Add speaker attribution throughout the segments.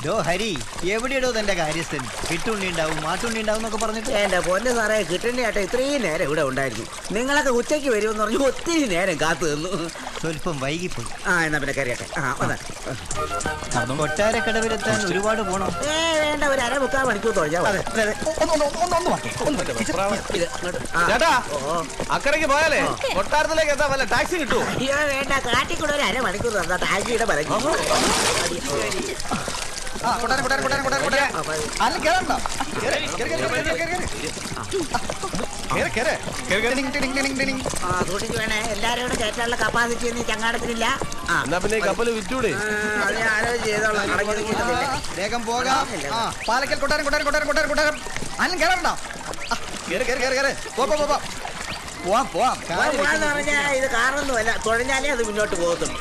Speaker 1: ഡോ ഹരി, എവിടെയോ തന്റെ കാര്യസ്ഥൻ കിട്ടുണ്ണി ഉണ്ടാവും മാട്ടുണ്ണി ഉണ്ടാവും എന്നൊക്കെ പറഞ്ഞിട്ട്.
Speaker 2: എന്റെ പൊന്ന് സാറേ, കിട്ടുണ്ണിയാട്ടെ ഇത്രയും നേരം ഇവിടെ ഉണ്ടായിരുന്നു. നിങ്ങളൊക്കെ ഉച്ചയ്ക്ക് വരുമെന്ന് പറഞ്ഞു ഒത്തിരി നേരം കാത്തു നിന്നു.
Speaker 1: സ്വല്പം വൈകിപ്പോയി.
Speaker 2: എന്നാ പിന്നെ കറിയട്ടെ.
Speaker 1: കൊട്ടാരക്കടവിലെത്താൻ ഒരുപാട് പോണോ?
Speaker 2: വേണ്ട, ഒരു 1/4 മണിക്കൂർ തൊഴിഞ്ഞാൽ
Speaker 3: അക്കരയ്ക്ക് പോയാലേ കൊട്ടാരത്തിലേക്ക് എത്താൻ വല്ല ടാക്സി കിട്ടുമോ?
Speaker 2: അയ്യോ വേണ്ട, കാട്ടിക്കൂടെ ഒരു 1/2 മണിക്കൂർ തന്നാ ടാക്സിയുടെ പരക്കി. സൂക്ഷിച്ചു വേണേ, എല്ലാരും കൂടെ കയറ്റാനുള്ള കപ്പാസിറ്റി ഒന്നും ചങ്ങാടത്തിനില്ല.
Speaker 3: എന്നാ പിന്നെ കപ്പല് വിറ്റൂടെ?
Speaker 1: വേഗം പോകാം. പാലക്കൽ കൊട്ടാരം കൊട്ടാരം കൊട്ടാരം കൊട്ടാരം കൊട്ടാരം അന്നും കേറണ്ടോ?
Speaker 2: പോവാന്ന് പറഞ്ഞാ ഇത് കാറൊന്നുമല്ല, തുഴഞ്ഞാലേ അത് മുന്നോട്ട് പോകത്തുള്ളൂ.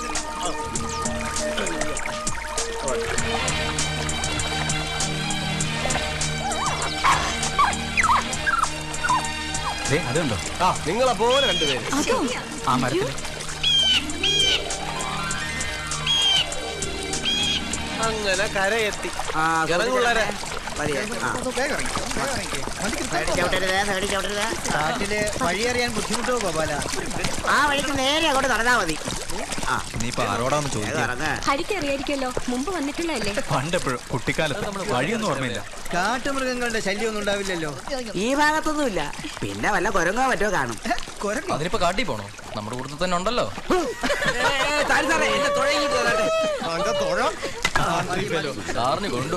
Speaker 4: അതുണ്ടോ?
Speaker 3: നിങ്ങളെ പോലെ രണ്ടുപേര്
Speaker 4: ആ മരത്തിൽ
Speaker 3: അങ്ങനെ കരയെത്തി. ഇറങ്ങുള്ളവരെ
Speaker 1: കാട്ടില് വഴി അറിയാൻ ബുദ്ധിമുട്ടോ ഗോപാല?
Speaker 2: ആ വഴിക്ക് നേരെ അങ്ങോട്ട് നടന്നാ മതി.
Speaker 5: ഹരിക്ക് അറിയായിരിക്കല്ലോ, മുമ്പ് വന്നിട്ടുള്ളതല്ലേ?
Speaker 4: പണ്ടെപ്പോഴും കുട്ടിക്കാലത്ത് വഴിയൊന്നും ഓർമ്മയില്ല.
Speaker 1: കാട്ടുമൃഗങ്ങളുടെ ശല്യം ഒന്നും ഉണ്ടാവില്ലല്ലോ
Speaker 2: ഈ ഭാഗത്തൊന്നുമില്ല. പിന്നെ വല്ല കുരങ്ങോ മറ്റോ കാണും.
Speaker 6: അതിനിപ്പോ കാട്ടി പോണോ? നമ്മുടെ കൂട്ടത്തിൽ തന്നെ ഉണ്ടല്ലോ. സാറിന് കൊണ്ടു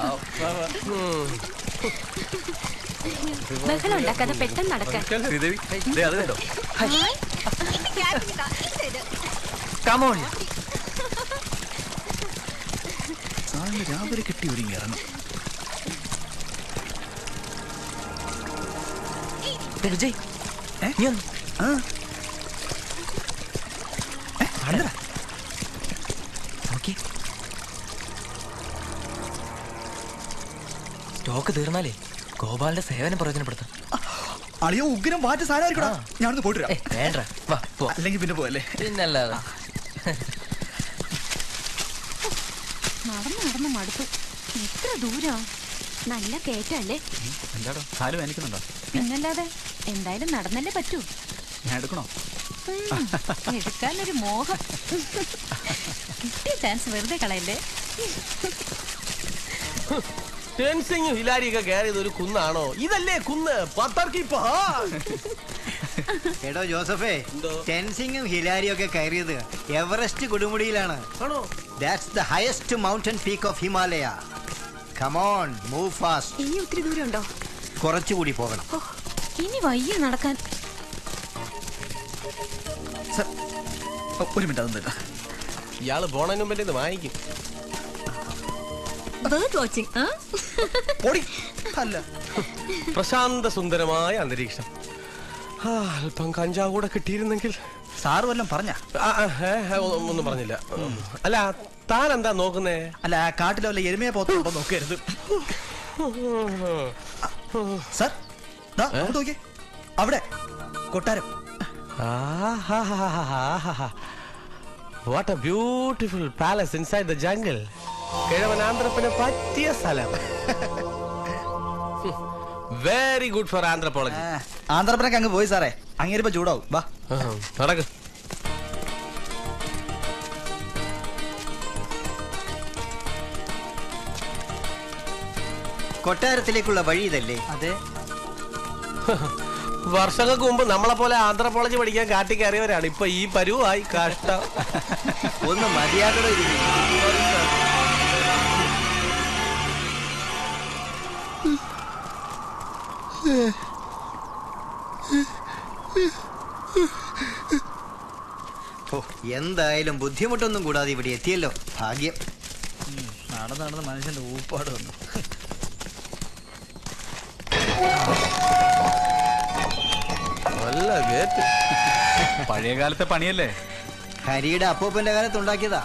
Speaker 5: ബഹളം ഉണ്ടാക്കാതെ പെട്ടെന്ന് നടക്കാൻ.
Speaker 4: ശ്രീദേവി അത് കണ്ടോ? രാവിലെ കിട്ടി ഒരുങ്ങി ഇറങ്ങും.
Speaker 6: വിജയ് സ്റ്റോക്ക് തീർന്നാലേ ഗോപാലിന്റെ സേവനം പ്രയോജനപ്പെടുത്താം.
Speaker 4: അളിയോ ഉഗ്രം വാറ്റ് സാധനമായിരിക്കടാ. ഞാനൊന്ന് പോയിട്ട്
Speaker 6: വേണ്ട,
Speaker 4: അല്ലെങ്കിൽ പിന്നെ പോയല്ലേ.
Speaker 6: പിന്നല്ലാതെ
Speaker 5: നടന്നു നടന്ന് മടുത്തു. എത്ര ദൂരാ? നല്ല കേറ്റല്ലേ?
Speaker 4: എന്താടോ കാല് വേനിക്കുന്നുണ്ടോ?
Speaker 5: പിന്നല്ലാതെ, എന്തായാലും നടന്നല്ലേ പറ്റൂ.
Speaker 4: ഞാൻ എടുക്കണോ?
Speaker 5: എടുക്കാനൊരു മോഹം. കിട്ടിയ ചാൻസ് വെറുതെ കളയല്ലേ.
Speaker 3: ടെൻസിങ്ങും ഹിലാരിയൊക്കെ കയറിയത് ഒരു കുന്നാണോ? ഇതല്ലേ കുന്ന്?
Speaker 1: എടോ ജോസഫേ, ടെൻസിങ്ങും ഹിലാരിയും ഒക്കെ കയറിയത് എവറസ്റ്റ് കൊടുമുടിയിലാണ്. That's the highest mountain peak of Himalaya. Come on, move fast.
Speaker 5: ഇനി ഒത്തിരി ദൂരം ഉണ്ടോ?
Speaker 1: കുറച്ചുകൂടി പോകണം.
Speaker 5: ഇനി വയ്യ നടക്കാൻ.
Speaker 4: ഒരു മിനിറ്റ് അതൊന്നും.
Speaker 3: ഇയാള് പോണതിന് മുമ്പേ ഇത് വാങ്ങിക്കും.
Speaker 4: അല്ല,
Speaker 3: പ്രശാന്ത സുന്ദരമായ അന്തരീക്ഷം. അല്പം കഞ്ചാവ് കൂടെ കിട്ടിയിരുന്നെങ്കിൽ.
Speaker 4: സാറ് വല്ലതും പറഞ്ഞ?
Speaker 3: ഒന്നും പറഞ്ഞില്ല. അല്ല, താൻ എന്താ നോക്കുന്നേ?
Speaker 4: അല്ല, കാട്ടിലെ വല്ല എരുമയെ പോത്തുണ്ടോ നോക്കരുത് സാർ. നോക്കിയേ, അവിടെ കൊട്ടാരം.
Speaker 3: What a beautiful palace inside the jungle. കിഴവനാന്ത്രപ്പിന് പറ്റിയ സ്ഥലം. Very good for anthropology.
Speaker 4: Andhra Pradesh അങ്ങ് പോയി സാറേ, അങ്ങേരിപ്പോ ചൂടാവും. വാ
Speaker 3: നടക്ക്.
Speaker 1: കൊട്ടാരത്തിലേക്കുള്ള വഴി ഇതല്ലേ?
Speaker 4: അതെ.
Speaker 3: വർഷങ്ങൾക്ക് മുമ്പ് നമ്മളെ പോലെ ആന്ത്രപ്പോളജി പഠിക്കാൻ കാട്ടി കയറിയവരാണ് ഇപ്പൊ ഈ പരുവായി. കഷ്ടം.
Speaker 1: ഒന്ന് മതിയാകടോ ഇതിന്. എന്തായാലും ബുദ്ധിമുട്ടൊന്നും കൂടാതെ ഇവിടെ എത്തിയല്ലോ, ഭാഗ്യം.
Speaker 4: നടന്ന് നടന്ന് മനുഷ്യന്റെ ഊപ്പാട് വന്നു.
Speaker 3: നല്ല ഗേറ്റ്.
Speaker 4: പഴയ കാലത്തെ പണിയല്ലേ?
Speaker 1: ഹരിയുടെ അപ്പൂപ്പന്റെ കാലത്ത് ഉണ്ടാക്കിയതാ.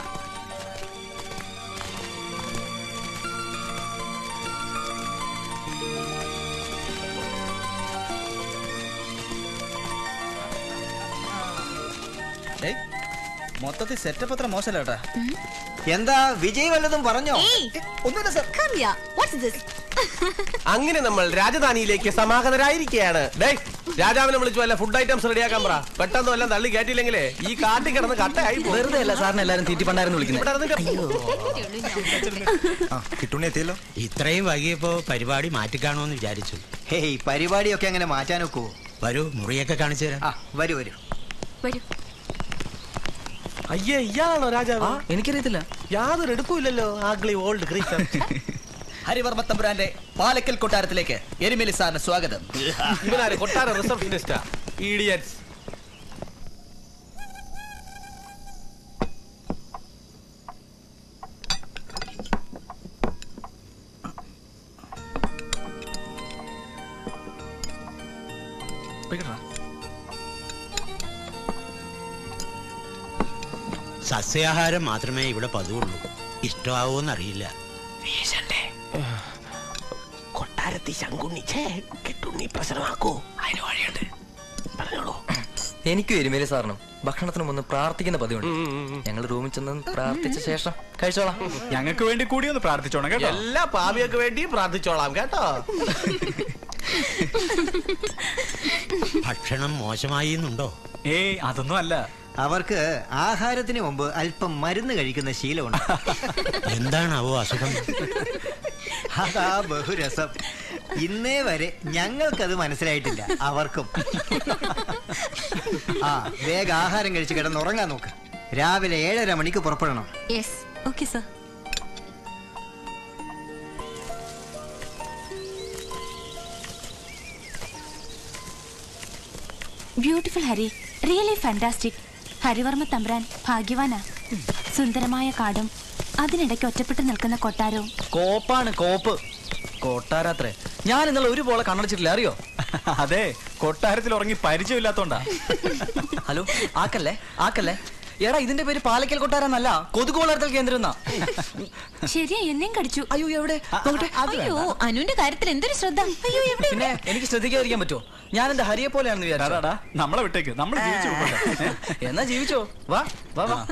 Speaker 4: മൊത്തത്തിൽ സെറ്റപ്പ് അത്ര മോശമല്ല കേട്ടാ.
Speaker 1: എന്താ വിജയ് വല്ലതും പറഞ്ഞോ?
Speaker 4: ഒന്നുമില്ല sir.
Speaker 5: Come here. What's this?
Speaker 3: അങ്ങനെ നമ്മൾ രാജധാനിയിലേക്ക് സമാഗതരായിരിക്കുകയാണ്. രാജാവിനെ വിളിച്ചു വല്ല ഫുഡ് ഐറ്റംസ് റെഡിയാക്കാൻ പറ. പെട്ടെന്ന് എല്ലാം തള്ളി കയറ്റിയില്ലെങ്കിലേ ഈ കാട്ടിൽ കിടന്ന് കട്ടയായി പോകും.
Speaker 6: വെറുതെ അല്ല സാറിന് എല്ലാരും തീറ്റിപ്പണ്ടായിരുന്നു വിളിക്കുന്നത്.
Speaker 4: കിട്ടുണ്ണി എത്തിയല്ലോ.
Speaker 7: ഇത്രയും വൈകിയപ്പോ പരിപാടി മാറ്റിക്കാണോന്ന് വിചാരിച്ചു.
Speaker 1: ഹേയ്, പരിപാടിയൊക്കെ അങ്ങനെ മാറ്റാൻ ഒക്കുവോ?
Speaker 7: വരൂ, മുറിയൊക്കെ കാണിച്ചു തരാം.
Speaker 1: വരൂ വരൂ.
Speaker 5: വരൂ.
Speaker 3: അയ്യേ, ഇയാളാണോ രാജാവ്?
Speaker 6: എനിക്കറിയത്തില്ല.
Speaker 3: യാതൊരു എടുപ്പില്ലല്ലോ. ആഗ്ലി ഓൾഡ് ക്രീച്ചർ.
Speaker 4: ഹരിവർമ്മ തമ്പുരാന്റെ പാലക്കൽ കൊട്ടാരത്തിലേക്ക് എരുമേലി സാറിന് സ്വാഗതം.
Speaker 3: ഇവനാര് കൊട്ടാര റിസപ്ഷനിസ്റ്റാ? ഇഡിയറ്റ്സ്.
Speaker 7: സസ്യാഹാരം മാത്രമേ ഇവിടെ പതിവുള്ളൂ. ഇഷ്ടമാവോന്നറിയില്ല.
Speaker 3: കൊട്ടാരത്തി ശങ്കുണ്ണി കിട്ടുണ്ണി പ്രശ്നമാക്കൂ. അതിന് വഴിയുണ്ട്, പറഞ്ഞോളൂ.
Speaker 6: എനിക്കും എരുമേലി സാറിനും ഭക്ഷണത്തിന് മുന്ന് പ്രാർത്ഥിക്കുന്ന പതിവുണ്ട്. ഞങ്ങൾ റൂമിൽ ചെന്ന് പ്രാർത്ഥിച്ച ശേഷം കഴിച്ചോളാം.
Speaker 4: ഞങ്ങൾക്ക് വേണ്ടി കൂടി ഒന്ന് പ്രാർത്ഥിച്ചോണം കേട്ടോ.
Speaker 3: എല്ലാ പാപിയൊക്കെ വേണ്ടി പ്രാർത്ഥിച്ചോളാം കേട്ടോ.
Speaker 7: ഭക്ഷണം മോശമായി എന്നുണ്ടോ?
Speaker 4: ഏയ്, അതൊന്നും അല്ല.
Speaker 1: അവർക്ക് ആഹാരത്തിന് മുമ്പ് അല്പം മരുന്ന് കഴിക്കുന്ന ശീലമുണ്ട്.
Speaker 7: എന്താണാവോ അസുഖം?
Speaker 1: അതാ ബഹുരസം. ഇന്നേ വരെ ഞങ്ങൾക്കത് മനസ്സിലായിട്ടില്ല, അവർക്കും. വേഗം ആഹാരം കഴിച്ച് കിടന്നുറങ്ങാൻ നോക്ക്. രാവിലെ 7:30 മണിക്ക് പുറപ്പെടണം.
Speaker 5: Yes. Okay, sir. Beautiful, Hari. Really fantastic. ഹരിവർമ്മ തമ്പ്രാൻ ഭാഗ്യവാനാ. സുന്ദരമായ കാടും അതിനിടയ്ക്ക് ഒറ്റപ്പെട്ട് നിൽക്കുന്ന കൊട്ടാരവും.
Speaker 6: കോപ്പാണ് കോപ്പ്. കൊട്ടാരത്രേ. ഞാൻ ഇന്നലെ ഒരു പോലെ കണ്ണടച്ചിട്ടില്ല, അറിയോ?
Speaker 4: അതെ, കൊട്ടാരത്തിൽ ഉറങ്ങി പരിചയമില്ലാത്തോണ്ടാ.
Speaker 6: ഹലോ, ആക്കല്ലേ ആക്കല്ലേ. എടാ, ഇതിന്റെ പേര് പാലക്കൽ കൊട്ടാരെന്നല്ല, കൊതുക് വളർത്തൽ കേന്ദ്രം എന്നാ.
Speaker 5: ശരിയാ, എന്നെയും കടിച്ചു.
Speaker 6: അയ്യോ, എവിടെ?
Speaker 5: അയ്യോ, അനുവിന്റെ കാര്യത്തിൽ എന്തൊരു ശ്രദ്ധ. അയ്യോ, എവിടെ?
Speaker 6: പിന്നെ എനിക്ക് ശ്രദ്ധിക്കാതിരിക്കാൻ പറ്റുമോ? ഞാൻ എന്റെ ഹരിയെ പോലെയാണെന്ന് വിചാരിച്ചു.
Speaker 4: നമ്മളെ വിട്ടേക്ക്, നമ്മൾ ജീവിച്ചു പോകട്ടെ.
Speaker 6: എന്നാ ജീവിച്ചോ. വാ വാ വാ.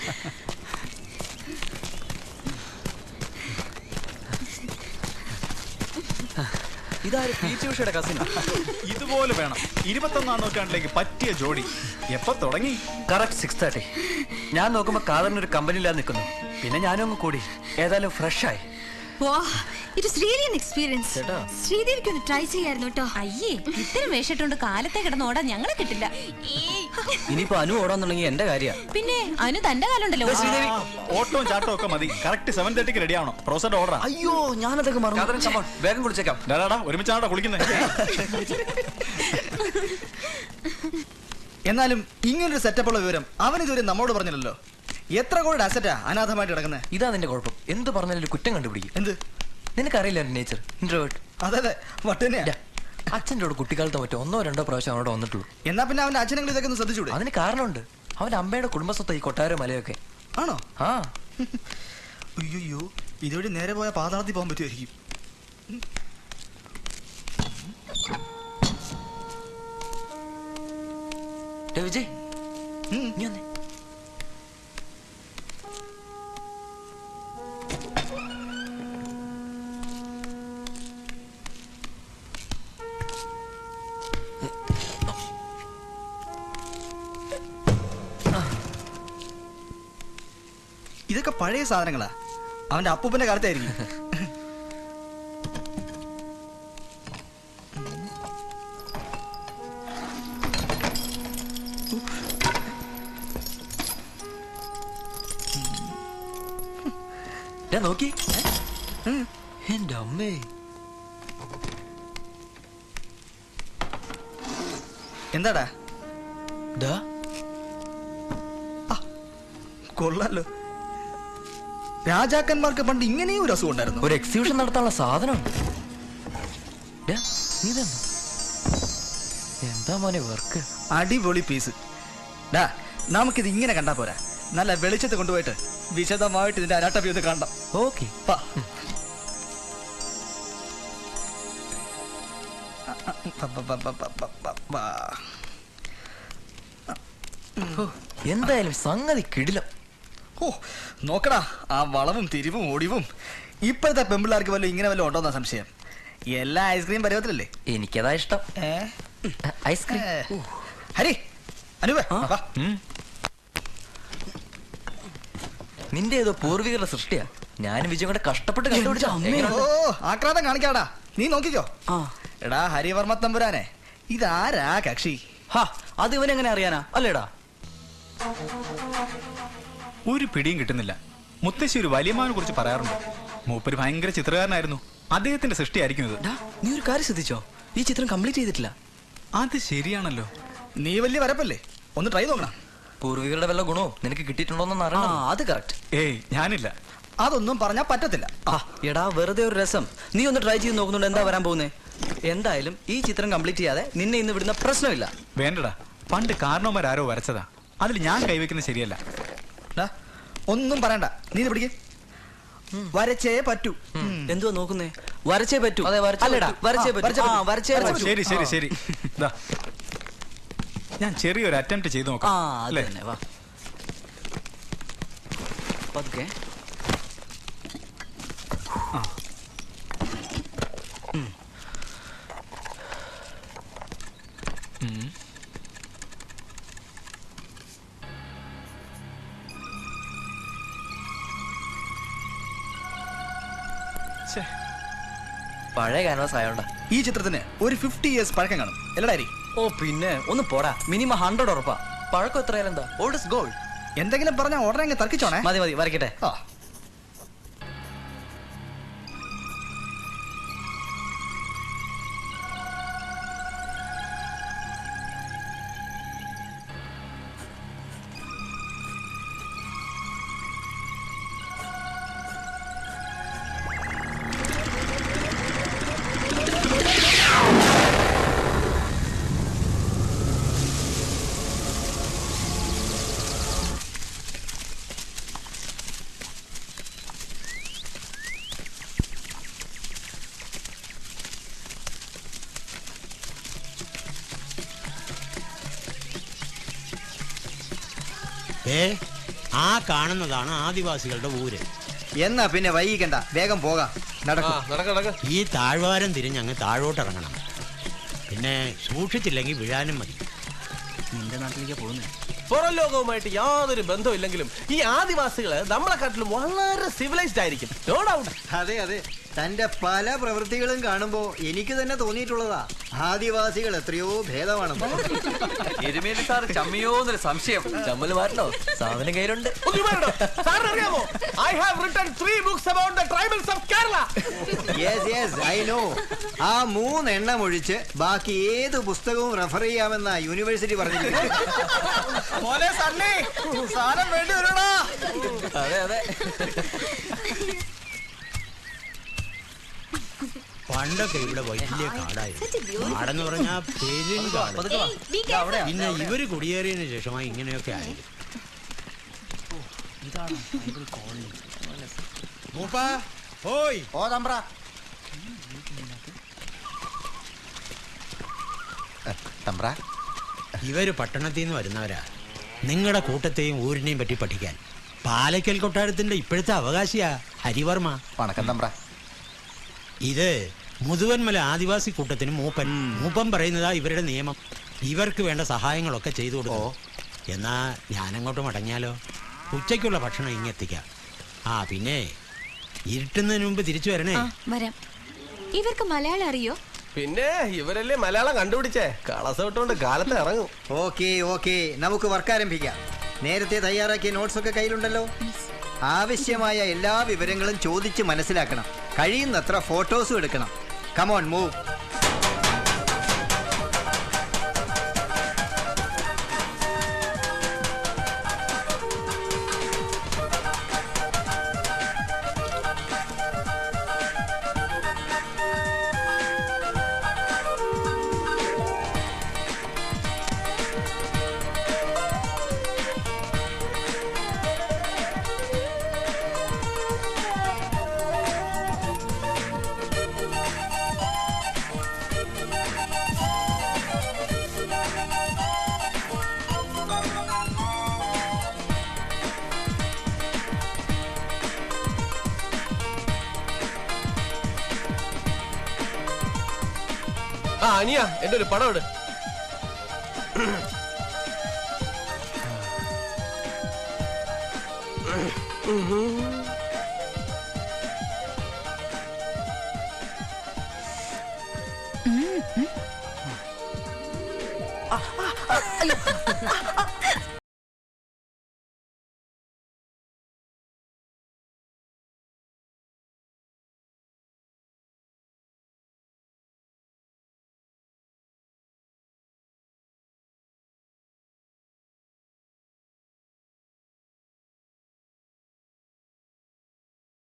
Speaker 6: ഇതാര്? പീച്ച് ഉഷയുടെ കസിൻ.
Speaker 4: ഇതുപോലെ വേണം 21ാം നൂറ്റാണ്ടിലേക്ക് പറ്റിയ ജോഡി. എപ്പോ തുടങ്ങി?
Speaker 6: കറക്റ്റ് 6:30. ഞാൻ നോക്കുമ്പോ കാതറിനൊരു കമ്പനിയില്ലാതെ നിൽക്കുന്നു. പിന്നെ ഞാനും അങ്ങ് കൂടി. ഏതായാലും ഫ്രഷ് ആയി.
Speaker 5: It is really an experience.
Speaker 8: ശ്രീദേവിക്ക് ഒന്ന് ട്രൈ ചെയ്യായിരുന്നു കേട്ടോ.
Speaker 5: അയ്യേ, ഇത്തരം വേഷിട്ടുണ്ട് കാലത്തെ കിടന്ന് ഓടാൻ ഞങ്ങളെ കിട്ടില്ല.
Speaker 6: ഇനിയിപ്പോ അനു ഓടാന്നുണ്ടെങ്കിൽ എന്റെ കാര്യ.
Speaker 5: പിന്നെ അനു തന്റെ കാലുണ്ടല്ലോ.
Speaker 4: ഓട്ടവും ചാട്ടവും ഒക്കെ മതി. കറക്റ്റ് 7:30 റെഡി ആവണം. പ്രൊഫസറുടെ ഓർഡർ.
Speaker 6: അയ്യോ, ഞാനതൊക്കെ മറന്നു. വേഗം കുളിച്ചേക്കാം.
Speaker 4: ഒരുമിച്ചാണോ കുളിക്കുന്നത്?
Speaker 9: എന്നാലും ഇങ്ങനൊരു സെറ്റപ്പുള്ള വിവരം അവൻ ഇതുവരെ നമ്മോട് പറഞ്ഞില്ലല്ലോ. എത്ര കോടി അസറ്റാ അനാഥമായിട്ട് കിടക്കുന്നത്?
Speaker 6: ഇതാ നിന്റെ കുഴപ്പം. എന്ത് പറഞ്ഞാലും ഒരു കുറ്റം കണ്ടുപിടിക്കും.
Speaker 9: എന്ത്?
Speaker 6: നിനക്കറിയില്ല എന്റെ നേച്ചർ, ഇൻട്രോവേർട്ട്.
Speaker 9: അതെ, വട്ടനെയാ.
Speaker 6: അച്ഛൻ്റെ കൂടെ കുട്ടിക്കാലത്ത് മറ്റോ 1 or 2 പ്രാവശ്യം അവിടെ വന്നിട്ടുള്ളൂ.
Speaker 9: എന്നാ പിന്നെ അവന്റെ അച്ഛനെങ്കിലും ഇതൊക്കെ ഒന്ന് ശ്രദ്ധിച്ചൂടെ?
Speaker 6: അതിന് കാരണമുണ്ട്. അവന്റെ അമ്മയുടെ കുടുംബസ്വത്ത് ഈ കൊട്ടാരം മലയൊക്കെ.
Speaker 9: ആണോ?
Speaker 6: ആ.
Speaker 9: അയ്യോ, ഇതുവഴി നേരെ പോയ പാതാളത്തിൽ പോകാൻ പറ്റുമായിരിക്കും.
Speaker 6: വിജയ്, നീ വന്നേ.
Speaker 9: ഇതൊക്കെ പഴയ സാധനങ്ങളാ. അവന്റെ അപ്പൂപ്പന്റെ കാലത്തായിരിക്കും.
Speaker 6: നോക്കി. എന്റെ അമ്മേ,
Speaker 9: എന്താടാ? കൊള്ളാലോ. രാജാക്കന്മാർക്ക് പണ്ട് ഇങ്ങനെയും ഒരു അസുഖം ഉണ്ടായിരുന്നു.
Speaker 6: ഒരു എക്സിബിഷൻ നടത്താനുള്ള സാധനം. എന്താ മോനെ വർക്ക്?
Speaker 9: അടിപൊളി പീസ്. ഡാ, നമുക്കിത് ഇങ്ങനെ കണ്ടാ പോരാ. നല്ല വെളിച്ചത്ത് കൊണ്ടുപോയിട്ട് വിശദമായിട്ട് ഇതിന്റെ അനാട്ടമി ഒന്ന് കാണണം.
Speaker 6: ഓക്കെ. എന്തായാലും സംഗതി കിടിലം.
Speaker 9: ഓ നോക്കടാ, ആ വളവും തിരിവും ഒടിവും. ഇപ്പോഴത്തെ പെമ്പിള്ളാർക്ക് വല്ലതും ഇങ്ങനെ വല്ലതും ഉണ്ടോന്നാ സംശയം. എല്ലാ ഐസ്ക്രീം പരുവത്തിലല്ലേ?
Speaker 6: എനിക്കതാ ഇഷ്ടം. ഐസ്ക്രീം.
Speaker 9: ഹരി, അനുവേ വാ.
Speaker 6: നിന്റെ ഏതോ പൂർവികരുടെ സൃഷ്ടിയാ. ഞാനും വിജയം കൂടെ കഷ്ടപ്പെട്ട് കണ്ടുപിടിച്ച.
Speaker 9: ഓ ആക്രാന്തം കാണിക്കാടാ, നീ നോക്കിക്കോ. എടാ ഹരിവർമ്മ തമ്പുരാനെ, ഇതാരാ കക്ഷി?
Speaker 10: അത് ഇവനെങ്ങനെ അറിയാനാ അല്ലേടാ?
Speaker 4: ഒരു പിടിയും കിട്ടുന്നില്ല. മുത്തശ്ശി ഒരു വലിയമാവിനെ കുറിച്ച് പറയാറുണ്ട്. മൂപ്പര് ഭയങ്കര ചിത്രകാരനായിരുന്നു. അദ്ദേഹത്തിന്റെ സൃഷ്ടിയായിരിക്കും ഇത്.
Speaker 10: നീ ഒരു കാര്യം ശ്രദ്ധിച്ചോ? ഈ ചിത്രം കംപ്ലീറ്റ് ചെയ്തിട്ടില്ല.
Speaker 4: അത് ശരിയാണല്ലോ.
Speaker 9: നീ വലിയ വരപ്പല്ലേ, ഒന്ന് ട്രൈ നോക്കണം.
Speaker 6: പൂർവികരുടെ വല്ല ഗുണവും നിനക്ക് കിട്ടിയിട്ടുണ്ടോന്ന് അറിയണം.
Speaker 10: അത് കറക്റ്റ്.
Speaker 4: ഏയ് ഞാനില്ല.
Speaker 9: അതൊന്നും പറഞ്ഞാ പറ്റത്തില്ല.
Speaker 10: എടാ വെറുതെ ഒരു രസം. നീ ഒന്ന് ട്രൈ ചെയ്ത് നോക്കുന്നുണ്ട്, എന്താ വരാൻ പോകുന്നേ? എന്തായാലും ഈ ചിത്രം കംപ്ലീറ്റ് ചെയ്യാതെ നിന്നെ ഇന്ന് വിടുന്ന പ്രശ്നമില്ല.
Speaker 4: വേണ്ടടാ, പണ്ട് കാരണവന്മാരാരോ വരച്ചതാ. അതിൽ ഞാൻ കൈവയ്ക്കുന്നത് ശരിയല്ല.
Speaker 9: ഒന്നും പറയണ്ട, നീ പിടിക്കേ. വരച്ചേ പറ്റൂ.
Speaker 10: എന്തുവാ നോക്കുന്നേ? വരച്ചേ പറ്റൂ. അല്ലടാ, വരച്ചേ പറ്റൂ.
Speaker 4: ശരി ശരി ശരി. ഞാൻ ചെറിയൊരു അറ്റംപ്റ്റ് ചെയ്ത് നോക്കാം.
Speaker 10: വാ പതുക്കെ.
Speaker 6: പഴയ ക്യാൻവാസ് ആയോണ്ടാ.
Speaker 9: ഈ ചിത്രത്തിന് ഒരു 50 years പഴക്കം കാണും അല്ലടാ?
Speaker 10: ഓ പിന്നെ ഒന്ന് പോടാ, മിനിമം 100 ഉറപ്പാ.
Speaker 6: പഴക്കം എത്രയാലും എന്താ? Old is gold.
Speaker 9: എന്തെങ്കിലും പറഞ്ഞാൽ ഉടനെ അങ്ങ് തർക്കിച്ചോണേ.
Speaker 10: മതി മതി, വരയ്ക്കട്ടെ.
Speaker 7: ആ കാണുന്നതാണ് ആദിവാസികളുടെ ഊര്.
Speaker 1: എന്നാ പിന്നെ വൈകിക്കണ്ട, വേഗം പോകാം.
Speaker 7: ഈ താഴ്വാരം തിരിഞ്ഞ് അങ്ങ് താഴോട്ടിറങ്ങണം. പിന്നെ സൂക്ഷിച്ചില്ലെങ്കിൽ വീഴാനും മതി.
Speaker 10: നിന്റെ നാട്ടിലേക്ക് പോകുന്നേ.
Speaker 3: പുറം ലോകവുമായിട്ട് യാതൊരു ബന്ധമില്ലെങ്കിലും ഈ ആദിവാസികള് നമ്മളെക്കാട്ടിലും വളരെ സിവിലൈസ്ഡ് ആയിരിക്കും. No doubt.
Speaker 1: അതെ അതെ, തന്റെ പല പ്രവൃത്തികളും കാണുമ്പോ എനിക്ക് തന്നെ തോന്നിയിട്ടുള്ളതാ, ആദിവാസികൾ എത്രയോ ഭേദമാണെന്ന്.
Speaker 6: എരുമേലി സാർ ചമ്മിയോന്നൊരു സംശയം. ചമ്മല് മാറ്റണോ? സാധനം കയ്യിലുണ്ട്.
Speaker 3: അറിയാമോ? I have written 3 books about the tribals of Kerala.
Speaker 1: Yes, yes, I know. ആ 3 എണ്ണം ഒഴിച്ച് ബാക്കി ഏത് പുസ്തകവും റെഫർ ചെയ്യാമെന്ന യൂണിവേഴ്സിറ്റി പറഞ്ഞിരിക്കുന്നത്.
Speaker 6: അതെ അതെ.
Speaker 7: പണ്ടൊക്കെ ഇവിടെ വലിയ കാടായിരുന്നു. കാടെന്ന് പറഞ്ഞാ പെരുങ്കാട്. പിന്നെ ഇവര് കുടിയേറിയതിനു ശേഷമായി ഇങ്ങനെയൊക്കെ ആയിരുന്നു. ഇവര് പട്ടണത്തിൽ നിന്ന് വരുന്നവരാ. നിങ്ങളുടെ കൂട്ടത്തെയും ഊരിനെയും പറ്റി പഠിക്കാൻ. പാലക്കൽ കൊട്ടാരത്തിന്റെ ഇപ്പോഴത്തെ അവകാശിയാ ഹരിവർമ്മ.
Speaker 9: വണക്കം തമ്പ്ര.
Speaker 7: ഇത് മുതുവന്മല ആദിവാസി കൂട്ടത്തിന് മൂപ്പൻ. മൂപ്പൻ പറയുന്നതാ ഇവരുടെ നിയമം. ഇവർക്ക് വേണ്ട സഹായങ്ങളൊക്കെ ചെയ്തു കൊടുക്കും. എന്നാ ഞാനങ്ങോട്ട് മടങ്ങിയാലോ? ഉച്ചയ്ക്കുള്ള ഭക്ഷണം ഇങ്ങെത്തിക്കാം. പിന്നെ ഇരുട്ടുന്നതിന് മുമ്പ് തിരിച്ചു വരണേ.
Speaker 8: വരാം. ഇവർക്ക് മലയാളം അറിയോ?
Speaker 3: പിന്നെ ഇവരല്ലേ മലയാളം കണ്ടുപിടിച്ചേ. കളസ വിട്ടുകൊണ്ട് കാലത്ത് ഇറങ്ങും.
Speaker 1: ഓക്കെ ഓക്കെ, നമുക്ക് വർക്ക് ആരംഭിക്കാം. നേരത്തെ തയ്യാറാക്കിയ നോട്ട്സ് ഒക്കെ കയ്യിലുണ്ടല്ലോ. ആവശ്യമായ എല്ലാ വിവരങ്ങളും ചോദിച്ച് മനസ്സിലാക്കണം. കഴിയുന്നത്ര ഫോട്ടോസും എടുക്കണം. Come on move.
Speaker 3: ആ അനിയ എന്റെ ഒരു പടം ഇട്.